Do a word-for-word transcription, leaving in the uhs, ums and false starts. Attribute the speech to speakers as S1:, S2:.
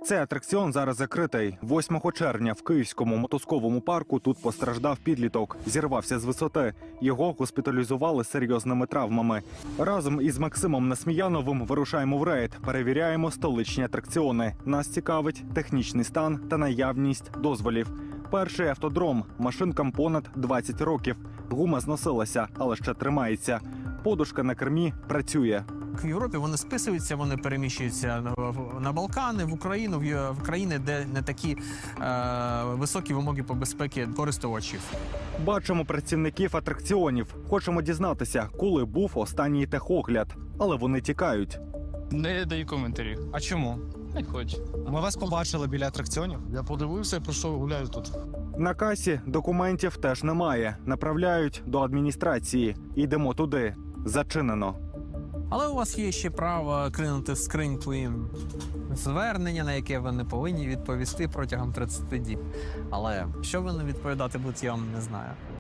S1: Цей атракціон зараз закритий. восьмого червня в Київському мотузковому парку тут постраждав підліток. Зірвався з висоти. Його госпіталізували з серйозними травмами. Разом із Максимом Несміяновим вирушаємо в рейд. Перевіряємо столичні атракціони. Нас цікавить технічний стан та наявність дозволів. Перший автодром. Машинкам понад двадцять років. Гума зносилася, але ще тримається. Подушка на кермі працює.
S2: В Європі вони списуються, вони переміщуються на, на Балкани, в Україну, в, в країни, де не такі е, високі вимоги по безпеці користувачів.
S1: Бачимо працівників атракціонів. Хочемо дізнатися, коли був останній техогляд. Але вони тікають.
S3: Не даю коментарів.
S2: А чому?
S3: Не хочу.
S4: Ми вас побачили біля атракціонів.
S5: Я подивився і прийшов гуляю тут.
S1: На касі документів теж немає. Направляють до адміністрації. Йдемо туди. Зачинено.
S2: Але у вас є ще право кинути в скриньку їм звернення, на яке ви не повинні відповісти протягом тридцяти діб. Але що ви не відповідати будете, я вам не знаю.